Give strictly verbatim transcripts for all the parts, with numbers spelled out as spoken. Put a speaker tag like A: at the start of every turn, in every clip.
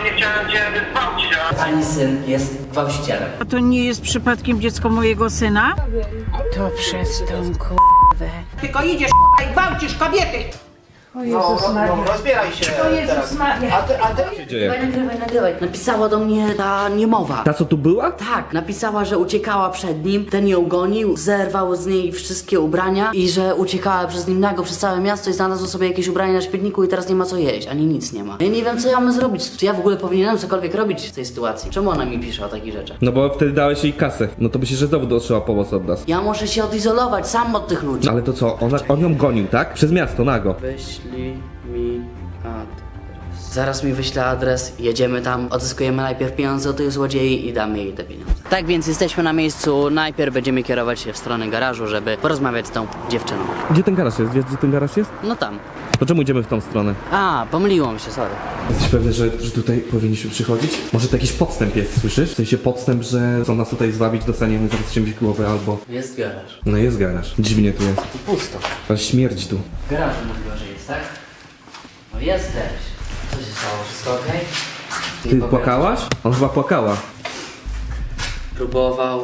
A: ogóle nie chciałem cię gwałcić, a...
B: Pani syn jest gwałcicielem.
C: A to nie jest przypadkiem dziecko mojego syna? To przez tą k***wę.
D: Tylko idziesz k***a i gwałcisz kobiety.
C: O Jezus Maria.
E: No, rozbieraj się.
C: O Jezus Maria.
E: A ty, a ty...
B: Nagrywaj, nagrywaj, nagrywaj. Napisała do mnie ta niemowa.
F: Ta co tu była?
B: Tak, napisała, że uciekała przed nim, ten ją gonił, zerwał z niej wszystkie ubrania i że uciekała przez nim nago przez całe miasto i znalazła sobie jakieś ubrania na śmietniku i teraz nie ma co jeść, ani nic nie ma. Ja nie wiem, co ja mam zrobić. Czy ja w ogóle powinienem cokolwiek robić w tej sytuacji? Czemu ona mi pisze o takich rzeczach?
F: No bo wtedy dałeś jej kasę. No to myślisz, że znowu dotrzeba pomoc od nas.
B: Ja muszę się odizolować sam od tych ludzi.
F: Ale to co? Ona, on ją gonił, tak? Przez miasto, nago.
B: Wyślij mi adres. Zaraz mi wyśle adres, jedziemy tam, odzyskujemy najpierw pieniądze od tych złodziei i damy jej te pieniądze. Tak więc jesteśmy na miejscu, najpierw będziemy kierować się w stronę garażu, żeby porozmawiać z tą dziewczyną.
F: Gdzie ten garaż jest? Wiesz, gdzie ten garaż jest?
B: No tam.
F: To czemu idziemy w tą stronę?
B: A, pomyliłam się, sorry.
F: Jesteś pewny, że, że tutaj powinniśmy przychodzić? Może to jakiś podstęp jest, słyszysz? W sensie podstęp, że chcą nas tutaj zwabić, dostaniemy zaraz czymś w głowę albo...
B: Jest garaż.
F: No jest garaż. Dziwnie tu jest.
B: I pusto.
F: Ale śmierdzi tu.
B: W garażu mówiła, że jest, tak? No jesteś. Co się stało? Wszystko okej?
F: Ty
B: Nie powiadasz.
F: płakałaś? On chyba płakała.
B: Próbował.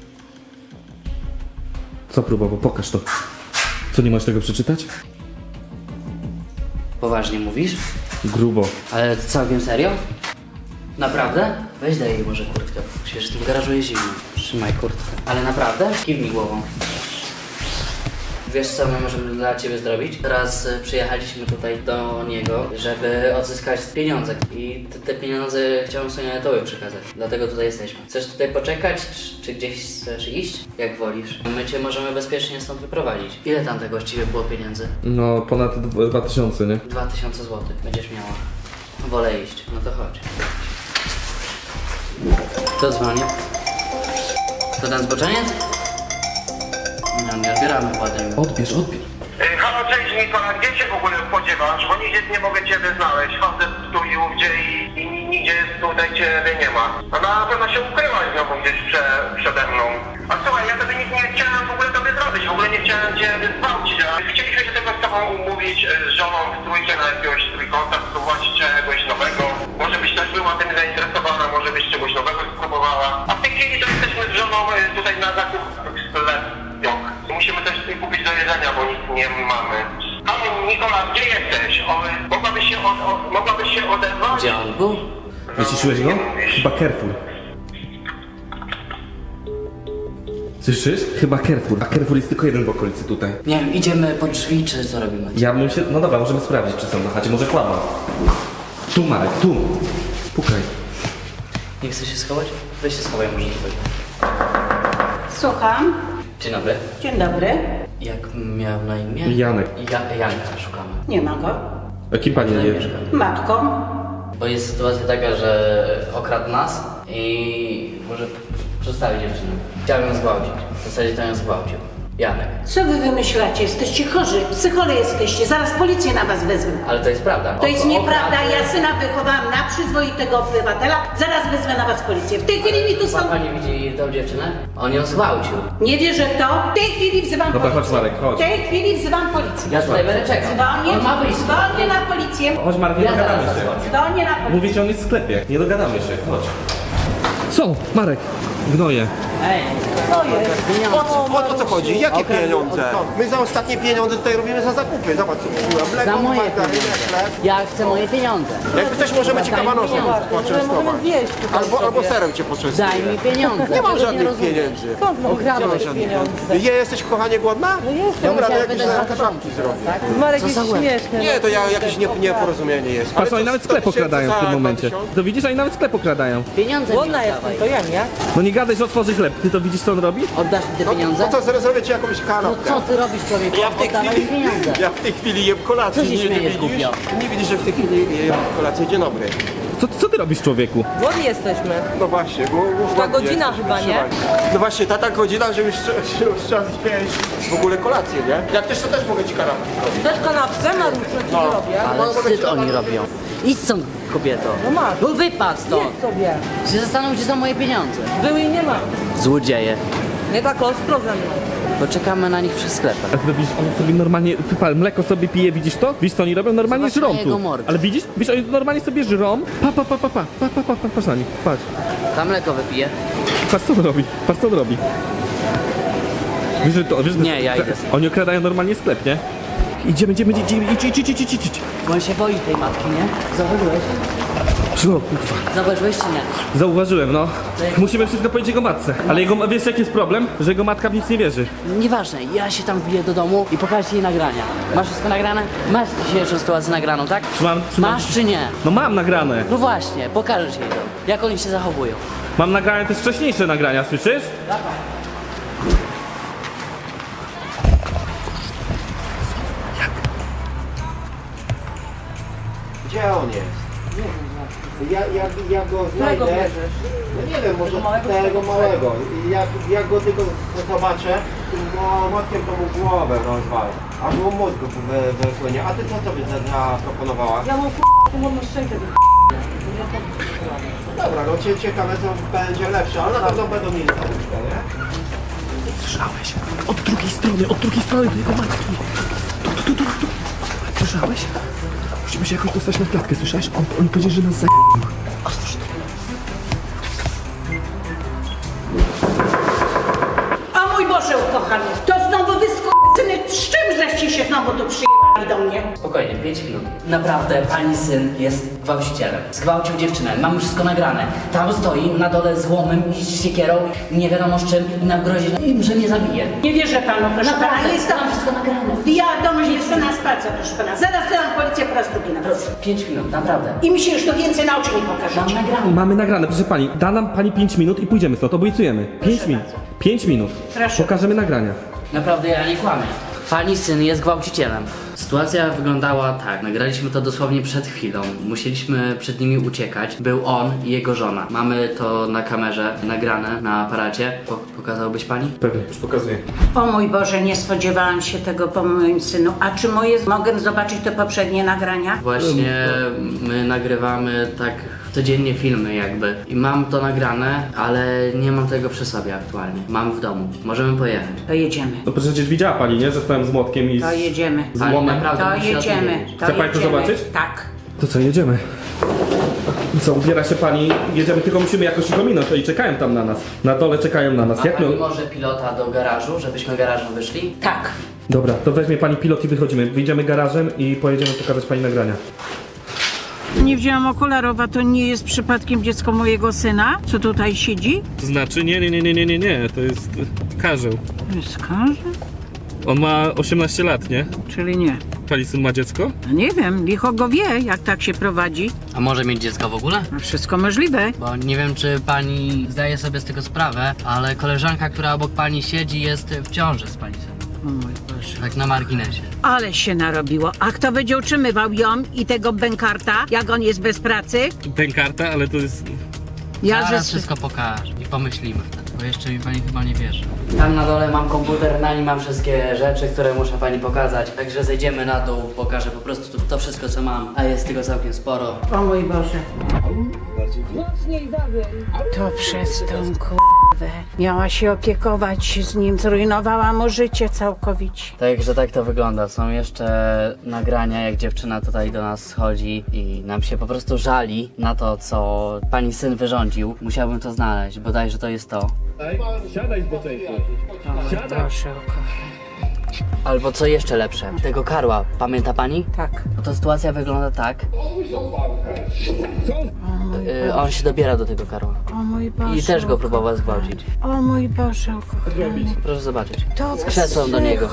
F: Co próbował? Pokaż to. Co, nie możesz tego przeczytać?
B: Poważnie mówisz?
F: Grubo.
B: Ale całkiem serio? Naprawdę? Weź daj jej może kurtkę. Przecież w tym garażu jest zimno. Trzymaj kurtkę. Ale naprawdę? Kiwnij głową. Wiesz co my możemy dla ciebie zrobić? Teraz y, przyjechaliśmy tutaj do niego, żeby odzyskać pieniądze. I te, te pieniądze chciałem Soniatowi przekazać. Dlatego tutaj jesteśmy. Chcesz tutaj poczekać, czy, czy gdzieś chcesz iść? Jak wolisz. My cię możemy bezpiecznie stąd wyprowadzić. Ile tam tego właściwie było pieniędzy?
F: No ponad dwa- dwa tysiące, nie?
B: Dwa tysiące złotych będziesz miała. Wolę iść, no to chodź. Kto dzwoni? To ten zboczeniec? No nie odbieramy ładnie.
F: Odbierz, odbierz.
A: Yy, halo, cześć Nikola, gdzie się w ogóle spodziewasz? Bo nigdzie nie mogę ciebie znaleźć. Chodzę tu i ówdzie i, i nigdzie tutaj ciebie nie ma. A na pewno się ukryłaś znowu gdzieś prze, przede mną. A słuchaj, ja tobie nic nie chciałem w ogóle tobie zrobić. W ogóle nie chciałem cię gwałcić, a chcieliśmy się tylko z tobą umówić e, z żoną w trójkę na jakiegoś trójkąta, spróbować czegoś nowego. Może byś też była tym zainteresowana, może byś czegoś nowego spróbowała. A w tej chwili to jesteśmy z żoną e, tutaj na zakupach w sklepie. Musimy też coś kupić do jedzenia, bo nic nie mamy. Halo Nikola, gdzie jesteś? O, mogłabyś się, od, o, mogłabyś się odezwać?
B: Gdzie on był?
F: Wyciszyłeś go? Chyba Carrefour. Słyszysz? Chyba Carrefour. A Carrefour jest tylko jeden w okolicy tutaj.
B: Nie wiem, idziemy po drzwi, czy co robimy?
F: Ja bym się... No dobra, możemy sprawdzić, czy są na chacie. Może kłamał. Tu, Marek, tu. Pukaj.
B: Nie chce się schować? Weź się schowaj może tutaj.
D: Słucham.
B: Dzień dobry.
D: Dzień dobry.
B: Jak miał na imię?
F: Janek.
B: Ja, Janka szukamy.
D: Nie ma go.
F: A kim pani
B: Tutaj
F: nie
B: mieszka.
D: Matką.
B: Bo jest sytuacja taka, że okradł nas i może przedstawić dziewczynę. Chciałem ją zgwałcić. W zasadzie to ją zgwałcił. Janek.
D: Co wy wymyślacie? Jesteście chorzy. Psychole jesteście. Zaraz policję na was wezmę.
B: Ale to jest prawda.
D: To jest
B: O-
D: nieprawda.
B: okradł-
D: Ja syna wychowałam na przyzwoitego obywatela. Zaraz wezmę na was policję. W tej chwili mi tu
B: Ma
D: stąd...
B: pani widzi tą dziewczynę? On ją zgwałcił.
D: Nie wierzę w to. W tej chwili wzywam
F: Dobra,
D: policję.
F: chodź, Marek, chodź.
D: W tej chwili wzywam policję.
B: Ja tutaj będę czekał.
D: Dzwonię,
B: On ma wyjść.
D: dzwonię na policję.
F: Chodź, Marek, nie
B: Ja
F: dogadamy
B: zaraz
F: się.
B: zadzwonię.
D: Dzwonię na policję.
F: Mówię ci, on jest w sklepie. Nie dogadamy się. Chodź. Co? Marek. Gnoje.
B: Ej,
D: To jest.
E: O co, o, o co chodzi? Jakie
B: Okradł-
E: pieniądze? No, my za ostatnie pieniądze tutaj robimy za zakupy. Zobacz co kupiłem.
B: za
E: Mleko,
B: moje
E: margarynę,
B: pieniądze.
E: chleb.
B: Ja chcę moje pieniądze.
E: Jak chcesz, możemy ci
B: Daj mi
E: kabanosem
B: pieniądze.
E: poczęstować. Albo, albo serem cię poczęstuję.
B: Daj mi pieniądze.
E: Nie mam
B: Czego
E: żadnych
B: rozumiesz?
E: pieniędzy.
B: Okradłeś
E: Je, jesteś kochanie głodna? No
G: jestem.
E: Dobra, to
B: Musiałem
E: jakieś
B: wydać
E: zaraz
B: dwa
E: żabki zrobię.
G: Marek
B: Co
G: jest
B: za łeb?
G: śmieszny.
E: Nie, to ja, jakieś nie, nieporozumienie jest.
F: Patrz,
E: co,
F: oni nawet
E: sto
F: sklep
E: tysięcy
F: okradają w
E: za
F: tym
E: dwa
F: momencie.
E: tysiące?
F: To widzisz, oni nawet sklep okradają.
B: Pieniądze mi
G: Głodna jestem,
B: oddawaj.
G: to ja nie.
F: No nie gadaj, że otworzy chleb. Ty to widzisz, co on robi?
B: Oddasz mi te pieniądze?
E: No to zaraz zrobię ci jakąś
B: No
E: kanapkę.
B: co ty robisz, człowieku?
E: Ja w tej
B: Oddawaj
E: chwili,
B: pieniądze.
E: ja w tej chwili jem kolację.
B: Co się
E: nie, nie
B: śmiejesz,
E: widzisz?
B: głupio?
E: Nie widzisz, że w tej chwili jem kolację. Dzień dobry.
F: Co, co ty robisz, człowieku?
G: Głodni jesteśmy.
E: No właśnie, bo bo
G: Ta
E: w
G: godzina
E: jesteśmy
G: chyba, nie?
E: trzymani. No właśnie, ta ta godzina, że już, trze- już trzeba zjeść w ogóle kolację, nie? Jak też to też mogę ci kanapkę zrobić.
G: Też kanapce, Mariusz, co ci
E: No.
G: robię?
B: Ale wstyd oni robią. Idź stąd, kobieto.
G: No masz.
B: No wypadł stąd.
G: Jedz sobie.
B: Się zastanów, gdzie są moje pieniądze.
G: Były i nie ma.
B: Złodzieje.
G: Nie tak ostro ze mną.
B: bo czekamy na nich przy sklepach.
F: A ty widzisz, on sobie normalnie, pa, mleko sobie pije, widzisz to? Widzisz co oni robią? Normalnie
B: Zobacz
F: żrą
B: na jego
F: tu.
B: mordę.
F: Ale widzisz? Widzisz, oni normalnie sobie żrą. Pa, pa, pa, pa, pa, pa, pa, pa, pa, patrz na nich, patrz.
B: Tam mleko wypije.
F: Patrz co on robi, patrz co on robi. Wiesz, że to, wiesz, że
B: Nie, ja idę.
F: Oni okradają normalnie sklep, nie? Idziemy, idziemy, idziemy, idź, idź, idź, idź, idź, idź.
B: Bo on się boi tej matki, nie? Zauważyłeś?
F: Szło, kurwa.
B: Zauważyłeś czy nie?
F: Zauważyłem, no. Musimy wszystko powiedzieć jego matce. Ale jego, wiesz jaki jest problem? Że jego matka w nic nie wierzy.
B: Nieważne, ja się tam wbiję do domu i pokażę ci jej nagrania. Masz wszystko nagrane? Masz dzisiejszą sytuację nagraną, tak?
F: Trzymam, trzymam.
B: Masz czy nie?
F: No mam nagrane.
B: No właśnie, pokażę ci jej to. Jak oni się zachowują.
F: Mam nagrane też wcześniejsze nagrania, słyszysz?
E: Gdzie on jest? Ja, ja, ja go znajdę. No nie wiem, może tego małego. Jak, jak go tylko zobaczę, no młotkiem to mu głowę rozwalę. Aż mu mózg wy, wypłynie. A ty co sobie za- zaproponowała?
G: Ja mam k***a pomodną szczękę.
E: Dobra, no cie, ciekawe co będzie lepsze, ale na pewno będą mieli nauczkę, nie?
F: Słyszałeś? Od drugiej strony, od drugiej strony do jego matki. Tu, tu, tu, tu, tu. Słyszałeś? Musimy się jakoś dostać na klatkę, słyszałeś? On, on powiedział, że nas za...
D: O mój Boże ukochany, to znowu wy skurwysyny, z czym żeście się znowu tu przyjechali do mnie?
B: Spokojnie, pięć minut. Naprawdę, pani syn jest gwałcicielem. Zgwałcił dziewczynę, mamy wszystko nagrane. Tam stoi na dole z łomem i z siekierą, nie wiadomo z czym i nam grozi, że mnie zabije.
D: Nie wierzę panu, proszę pana,
B: Naprawdę,
D: jest to...
B: mam wszystko nagrane.
D: Wiadomość jest to na spacer, proszę pana. Zaraz dam policję po raz drugi na was.
B: Pięć minut, naprawdę.
D: I mi się już to więcej na oczy nie
B: Mam
D: pokażecie.
B: nagrane.
F: Mamy nagrane, proszę pani. Da nam pani pięć minut i pójdziemy stąd, obiecujemy. pięć minut. pięć minut.
D: Proszę.
F: Pokażemy nagrania.
B: Naprawdę ja nie kłamię. Pani syn jest gwałcicielem. Sytuacja wyglądała tak. Nagraliśmy to dosłownie przed chwilą. Musieliśmy przed nimi uciekać. Był on i jego żona. Mamy to na kamerze nagrane na aparacie. Po pokazałbyś pani?
F: Pewnie, już pokazuję.
D: O mój Boże, nie spodziewałam się tego po moim synu. A czy moje... Mogę zobaczyć te poprzednie nagrania?
B: Właśnie my nagrywamy tak codziennie filmy jakby. I mam to nagrane, ale nie mam tego przy sobie aktualnie. Mam w domu. Możemy pojechać.
D: To jedziemy.
F: No przecież widziała pani, nie? Że stałem z młotkiem i z...
D: To jedziemy.
F: z
B: Pani
F: łomem.
B: naprawdę
D: To
B: musi o tym
D: jedziemy.
B: wiedzieć.
D: To
F: Chce pani to
D: jedziemy.
F: zobaczyć?
D: Tak.
F: To co, jedziemy? I co, ubiera się pani, jedziemy, tylko musimy jakoś ich ominąć, oni czekają tam na nas. Na dole czekają na nas.
B: Ma
F: Jak my...
B: pani może pilota do garażu, żebyśmy garażem wyszli?
D: Tak.
F: Dobra, to weźmie pani pilot i wychodzimy. Wyjdziemy garażem i pojedziemy pokazać pani nagrania.
C: Nie wzięłam okularów, a to nie jest przypadkiem dziecko mojego syna, co tutaj siedzi?
F: To znaczy, nie, nie, nie, nie, nie, nie, nie, to jest Karzeł.
C: Wskaże?
F: On ma osiemnaście lat, nie?
C: Czyli nie.
F: Pani syn ma dziecko?
C: No nie wiem, licho go wie, jak tak się prowadzi.
B: A może mieć dziecko w ogóle?
C: No wszystko możliwe.
B: Bo nie wiem, czy pani zdaje sobie z tego sprawę, ale koleżanka, która obok pani siedzi, jest w ciąży z pani synem.
C: O mój Boże.
B: Tak na marginesie.
C: Ale się narobiło. A kto będzie utrzymywał ją i tego bękarta, jak on jest bez pracy?
F: Pękarta, ale to jest...
C: Ja
B: Zaraz
C: ze...
B: wszystko pokażę i pomyślimy wtedy, bo jeszcze mi pani chyba nie wierzy. Tam na dole mam komputer, na nim mam wszystkie rzeczy, które muszę pani pokazać. Także zejdziemy na dół, pokażę po prostu to wszystko, co mam, a jest tego całkiem sporo.
D: O mój Boże.
C: To przez tą k***wę. Miała się opiekować z nim, zrujnowała mu życie całkowicie.
B: Także tak to wygląda. Są jeszcze nagrania, jak dziewczyna tutaj do nas schodzi i nam się po prostu żali na to, co pani syn wyrządził. Musiałbym to znaleźć, bodajże to jest to.
F: Siadaj z boczeńcu.
C: O mój Boże, ukochany.
B: Albo co jeszcze lepsze, tego karła, pamięta pani?
C: Tak.
B: No to sytuacja wygląda tak. Y, on się dobiera do tego karła.
C: O mój Boże.
B: I też go próbował
C: ukochany.
B: zgwałcić.
C: O mój Boże, ukochany.
B: Proszę zobaczyć.
C: To
B: Z krzesłem do niego.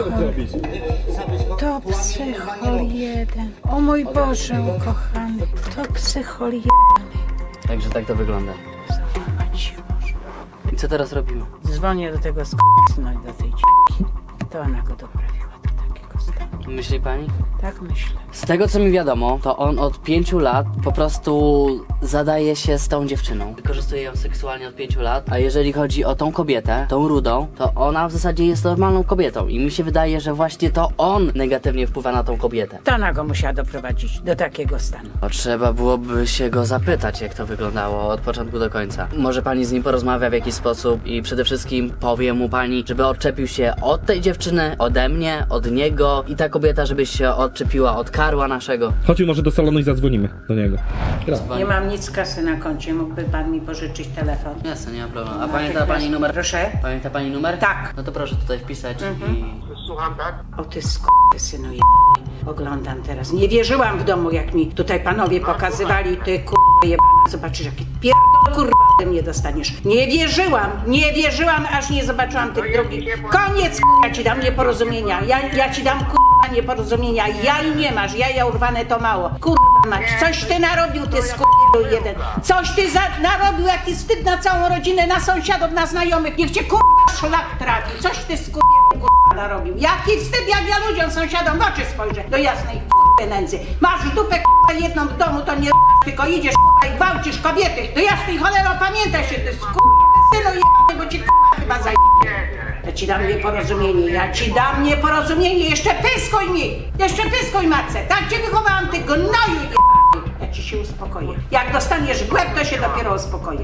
C: To psychol jeden. O mój Boże, ukochany. To psychol jeden.
B: Także tak to wygląda.
C: Załamać się może.
B: I co teraz robimy?
C: Dzwonię do tego sk***syna i do tej c***ki. To ona go doprawiła do takiego stanu.
B: Myśli pani?
C: Tak myślę.
B: Z tego co mi wiadomo, to on od pięciu lat po prostu zadaje się z tą dziewczyną. Wykorzystuje ją seksualnie od pięciu lat, a jeżeli chodzi o tą kobietę, tą rudą, to ona w zasadzie jest normalną kobietą i mi się wydaje, że właśnie to on negatywnie wpływa na tą kobietę.
C: To ona go musiała doprowadzić do takiego stanu.
B: To trzeba byłoby się go zapytać, jak to wyglądało od początku do końca. Może pani z nim porozmawia w jakiś sposób i przede wszystkim powie mu pani, żeby odczepił się od tej dziewczyny, ode mnie, od niego i ta kobieta, żeby się odczepiła od karła naszego.
F: Chodźmy może do salonu i zadzwonimy do niego.
C: Nie mam nic kasy na koncie, mógłby pan mi pożyczyć telefon?
B: Jasne, nie ma problemu. A pamięta pani numer?
C: Proszę?
B: Pamięta pani numer?
C: Tak.
B: No to proszę tutaj wpisać i...
A: Słucham, tak?
C: O ty synu je... Oglądam teraz. Nie wierzyłam w domu, jak mi tutaj panowie pokazywali. Ty kurwa jebana, zobaczysz jaki pierdol kurwa ode mnie dostaniesz. Nie wierzyłam, nie wierzyłam, aż nie zobaczyłam tych drugich. Koniec kurwa, ja ci dam nieporozumienia. Ja, ja ci dam kurwa nieporozumienia. Jaj nie masz, jaja urwane to mało. Kurwa mać, coś ty narobił, ty skurwiel jeden. Coś ty za, narobił, jaki wstyd na całą rodzinę, na sąsiadów, na znajomych. Niech cię kurwa szlak trafi. Coś ty skurwiel kurwa narobił. Jaki wstyd, jak ja ludziom, sąsiadom w oczy spojrzę. Do jasnej kurwy nędzy. Masz dupę kurwa jedną w domu, to nie r***, tylko idziesz kurwa i gwałcisz kobiety. Do jasnej cholero, pamiętaj się, ty skurwysynu jebany, bo ci kurwa chyba zajebie. Ja ci dam nieporozumienie, ja ci dam nieporozumienie, jeszcze pyskuj mi! Jeszcze pyskuj matce, tak cię wychowałam, ty gnoju jebany! Ja ci się uspokoję. Jak dostaniesz w łeb, to się dopiero uspokoję.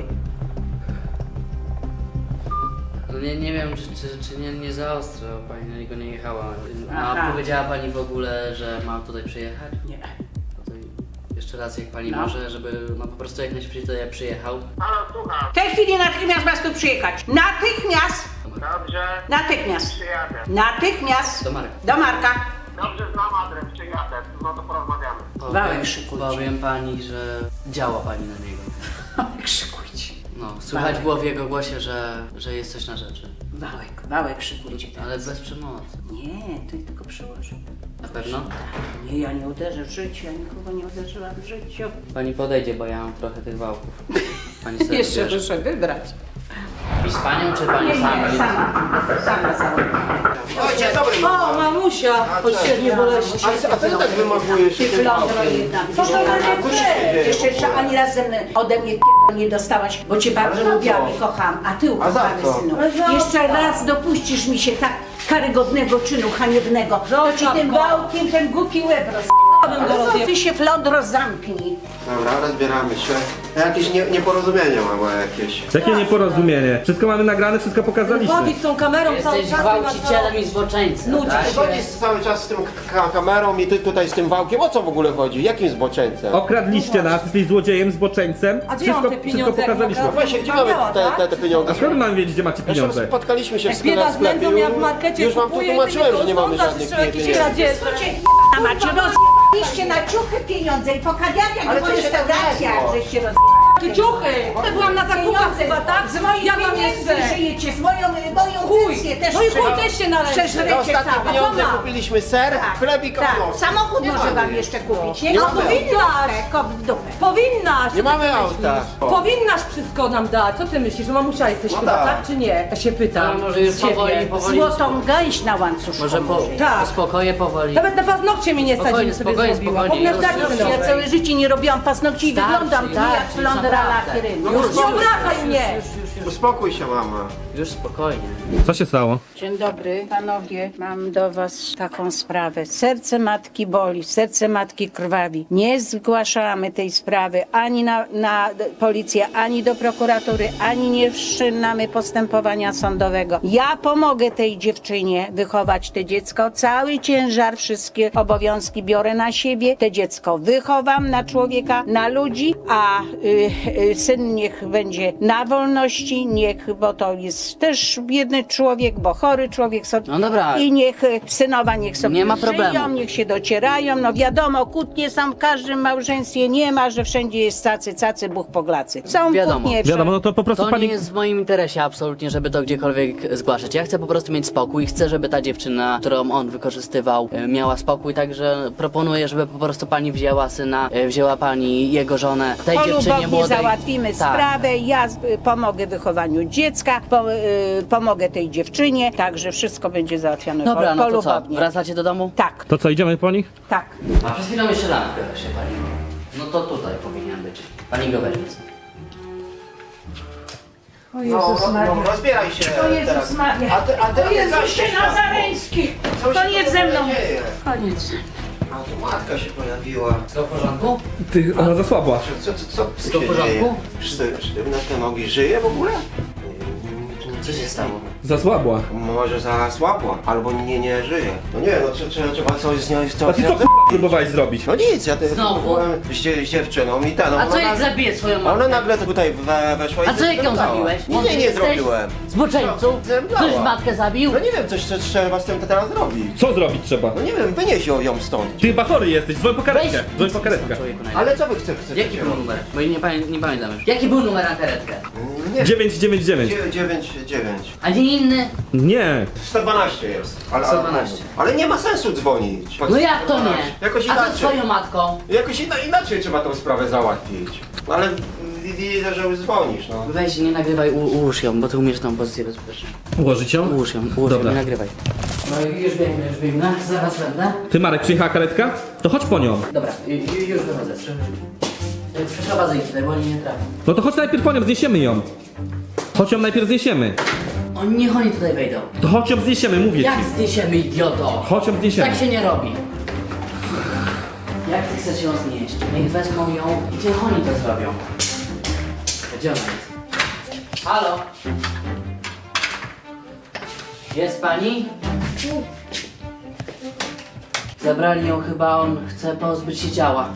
B: No nie, nie wiem, czy, czy, czy nie, nie za ostro pani na niego nie jechała. A
C: Aha.
B: powiedziała pani w ogóle, że mam tutaj przyjechać?
C: Nie.
B: No to jeszcze raz, jak pani
C: No.
B: może, żeby no po prostu jak najszybciej tutaj przyjechał.
A: Halo, słucham.
C: W tej chwili natychmiast masz tu przyjechać. Natychmiast!
A: Dobrze.
C: Natychmiast!
A: Przyjadę.
C: Natychmiast!
B: Do Marka.
C: Do Marka!
A: Dobrze, znam adres, przyjadę. No to porozmawiamy.
C: Wałek
B: Powiem,
C: szykujcie.
B: powiem pani, że działa pani na niego.
C: Krzykujcie.
B: No, słychać było w jego głosie, że, że jest coś na rzeczy.
C: Wałek, wałek szykujcie teraz.
B: Ale bez przemocy.
C: Nie, to tylko przyłożę.
B: Na pewno?
C: Nie, ja nie uderzę w życiu, ja nikogo nie uderzyłam w życiu.
B: Pani podejdzie, bo ja mam trochę tych wałków. Pani sobie
C: Jeszcze
B: wybierze.
C: muszę wybrać.
B: I z panią, czy pani
C: Nie,
B: sama?
C: nie, sama. Sama założę.
E: O, dzień dobry,
G: O,
E: mama.
G: mamusia, pośrednie boleści.
E: A, a co ty tak wymagujesz się tym
C: Flądro
E: autem?
C: jedna.
G: Co to
C: Widzisz,
G: będzie
C: ona-
G: dzieje?
C: Jeszcze, jeszcze ani razem ode mnie p- nie dostałaś, bo cię bardzo
E: Ale za
C: lubiłam
E: co?
C: i kocham. A ty,
E: A za
C: ukochany
E: co?
C: synu,
G: Ale za
C: jeszcze
G: co?
C: raz dopuścisz mi się tak karygodnego czynu haniebnego. To ci
G: Zostaw
C: tym
G: go.
C: wałkiem ten głupi łeb roz...
G: bym go
C: Ale co
G: rozjebał.
C: ty się, Flądro, zamknij.
E: Dobra, rozbieramy się. Jakieś nie, nieporozumienie mama jakieś.
F: Jakie nieporozumienie? Wszystko mamy nagrane, wszystko pokazaliśmy.
G: Chodzi z tą kamerą cały
B: Jesteś
G: czas.
B: gwałcicielem i zboczeńcem,
G: Nudzi
B: tak?
G: się.
E: Chodzisz cały czas z tym ka kamerą i ty tutaj z tym wałkiem. O co w ogóle chodzi? Jakim zboczeńcem?
F: Okradliście nas, jesteś złodziejem, zboczeńcem.
G: A gdzie
F: Wszystko,
G: mam te
F: wszystko
G: pieniądze, jak
F: pokazaliśmy.
G: mogę?
E: Właśnie, gdzie mamy te, te, te pieniądze?
F: A skąd mam wiedzieć, gdzie macie
E: Zresztą
F: pieniądze?
E: spotkaliśmy się w
G: Jak
E: sklepie.
G: bieda z nędzą, ja w markecie
E: Już wam tu
G: kupuję i
E: tłumaczyłem,
G: ty
E: że nie mamy
G: rozglądasz,
E: żadnych
G: jeszcze jakieś
E: pieniędzy.
G: radzieże.
C: A macie rozjebaliście na ciuchy pieniądze i po kawiarniach,
E: Ale
C: po
E: to się
C: restauracjach,
E: nagrało.
C: żeście rozjebali.
G: Ty ciuchy! Ja byłam na zakupach chyba, tak?
C: Z moich
G: Ja mam
C: pieniędzy
G: jeszcze.
C: żyjecie, z moją, moją
G: Chuj.
C: pensję też
G: No i chuj
C: prze-
G: też się należy.
C: przeżrecie
E: Na ostatnie
C: całe.
E: pieniądze
G: A co ma?
E: kupiliśmy ser,
C: Tak,
E: chleb i
C: tak.
E: kotlet.
C: Samochód
E: Nie
C: może
E: mamy.
C: wam jeszcze kupić, nie?
E: Nie
C: Kop
E: mamy.
C: w dupę, kop w dupę.
G: Powinnaś!
E: Nie mamy auta.
G: Powinnaś wszystko nam dać. Co ty myślisz, że mamusia jesteś
E: No
G: chyba,
E: tak.
G: tak czy nie? Ja się pytam.
B: No, może już
G: z ciebie.
B: powoli, powoli.
C: Złotą gęś na łańcuszku.
B: Może po,
G: Tak.
B: spokoje powoli.
G: Nawet na paznokcie mi nie stać,
B: Spokojnie,
G: żebym sobie
B: spokojnie,
G: zrobiła.
B: spokojnie.
G: Powinnaś dać
B: Już,
G: sobie
B: już,
C: Ja
G: nowe.
C: całe życie nie robiłam paznokci i
B: Starczy,
C: wyglądam tu jak
B: starczy,
C: flądra
B: naprawdę.
C: lakierynka.
G: Już nie obrażaj mnie!
E: Uspokój się mama.
B: Już spokojnie.
F: Co się stało?
C: Dzień dobry, panowie. Mam do was taką sprawę. Serce matki boli, serce matki krwawi. Nie zgłaszamy tej sprawy ani na, na policję, ani do prokuratury, ani nie wszczynamy postępowania sądowego. Ja pomogę tej dziewczynie wychować te dziecko. Cały ciężar, wszystkie obowiązki biorę na siebie. Te dziecko wychowam na człowieka, na ludzi, a y, y, syn niech będzie na wolności, niech, bo to jest też biedny człowiek, bo chory człowiek sobie.
B: No dobra.
C: I niech y, synowa niech sobie
B: Nie ma
C: żyją,
B: problemu.
C: niech się docierają. No wiadomo, kłótnie są w każdym małżeństwie, nie ma, że wszędzie jest cacy, cacy, buch poglacy. Są
B: Wiadomo.
C: kłótnie.
F: Wiadomo, no to po prostu
B: To
F: pani...
B: nie jest w moim interesie absolutnie, żeby to gdziekolwiek zgłaszać. Ja chcę po prostu mieć spokój. Chcę, żeby ta dziewczyna, którą on wykorzystywał, e, miała spokój. Także proponuję, żeby po prostu pani wzięła syna, e, wzięła pani jego żonę, tej dziewczynie
C: Polubownie
B: młodej.
C: załatwimy
B: Tak.
C: sprawę, ja z- pomogę wychować wychowaniu dziecka, po, y, pomogę tej dziewczynie, także wszystko będzie załatwione
B: Dobra,
C: po,
B: no to co?
C: polubownie.
B: Wracacie do domu?
C: Tak,
F: To co, idziemy po nich?
C: tak.
B: A przez chwilę jeszcze lampkę się paliło. No to tutaj powinien być. Pani go weźmie.
C: O
E: No,
C: Jezus
E: no,
C: Maria.
E: no rozbieraj się
C: O Jezus
E: teraz.
C: Maria.
E: A ty, a ty,
C: O Jezus
E: gaście światło.
C: Nazareński.
E: Co się
C: Koniec
E: tu
C: ze mną.
E: dzieje?
C: Koniec.
E: A tu matka się pojawiła.
B: Wszystko w porządku?
F: Ty, ona zasłabła.
E: Co, co, co tu
B: Wszystko w
E: się
B: porządku?
E: dzieje? Szty- Sztywne te nogi, żyje w ogóle?
B: Co się stało?
F: Zasłabła.
E: Może zasłabła, albo nie, nie żyje. No nie, no trze- trze- trzeba coś z nią... Co,
F: A ty co k***a próbowałeś zrobić?
E: No nic, ja ty
B: Znowu?
E: byłem z, dzie- z dziewczyną i ten...
B: A co
E: ona
B: jak
E: nagle-
B: zabiję swoją
E: Ona
B: matkę?
E: nagle tutaj we, weszła i...
B: A co jak ją
E: zemdlała.
B: zabiłeś?
E: Nic nie, nie
B: Jesteś
E: zrobiłem.
B: Zboczeńcu?
E: Zemdlała.
B: Ktoś matkę zabił?
E: No nie wiem, coś, coś trzeba z tym teraz zrobić.
F: Co zrobić trzeba?
E: No nie wiem, wynieś ją, ją stąd.
F: Ty chyba chory jesteś, dzwoń po karetkę.
B: Weź-
F: Dzwoń po karetkę.
B: Człowieku, najlepiej.
E: Ale co wy chcecie? chcecie
B: Jaki był
E: robić?
B: numer? Bo nie, pamię nie pamiętam już. Jaki był numer na karetkę?
E: Nie,
F: dziewięć dziewięć dziewięć.
E: dziewięć, dziewięć.
B: A nie inny?
F: Nie.
E: sto dwanaście jest. Ale,
B: sto dwanaście.
E: Ale, ale nie ma sensu dzwonić.
B: No jak to nie?
E: Jakoś
B: A co z
E: inaczej.
B: twoją matką?
E: Jakoś ina, inaczej trzeba tą sprawę załatwić. No ale wi- widzę, że już dzwonisz, no.
B: Weź, nie nagrywaj, u, ułóż ją, bo ty umiesz tą pozycję bezpiecznie.
F: Ułożyć ją?
B: Ułóż ją, ułóż ją,
F: Dobra.
B: nie nagrywaj. No i już biegnę, już biegnę, zaraz będę.
F: Ty Marek, przyjechała karetka? To chodź po nią.
B: Dobra, ju- ju- już wychodzę, prze- przeprowadzę ich tutaj, bo oni nie trafią.
F: No to chodź najpierw po nią, zniesiemy ją. Chodź ją najpierw zniesiemy.
B: Oni, niech oni tutaj wejdą.
F: To chodź ją zniesiemy, mówię
B: Jak
F: ci.
B: zniesiemy, idioto?
F: Chodź ją zniesiemy.
B: Tak się nie robi. Jak ty chcesz ją znieść? Niech wezmą ją i niech oni to zrobią. Gdzie ona jest? Halo? Jest pani? Zabrali ją chyba, on chce pozbyć się ciała.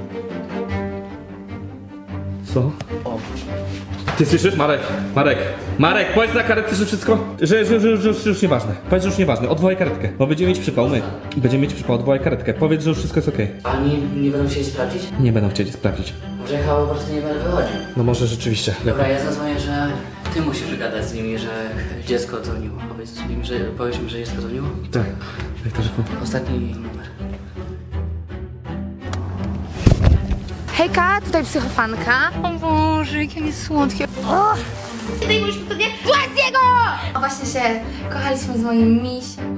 F: Co?
B: O.
F: Ty słyszysz, Marek? Marek, Marek, powiedz na karetce, że wszystko, że, że, że, że, że już nieważne. Powiedz, że już nieważne, odwołaj karetkę, bo będziemy mieć przypał, my. Będziemy mieć przypał, odwołaj karetkę. Powiedz, że już wszystko jest okej.
B: Oni nie będą chcieli sprawdzić?
F: Nie będą chcieli sprawdzić.
B: Może jechał po prostu nie będę wychodził.
F: No może rzeczywiście.
B: Dobra, ja zadzwonię, że ty musisz gadać z nimi, że dziecko dzwoniło. Powiedz im, że, powiedz im, że dziecko dzwoniło.
F: Tak, jak telefon.
B: Ostatni numer.
H: Hejka, tutaj psychofanka. O Boże, jakie on jest słodkie. O! Tutaj byliśmy pewnie Własnego! Właśnie się kochaliśmy z moim miś.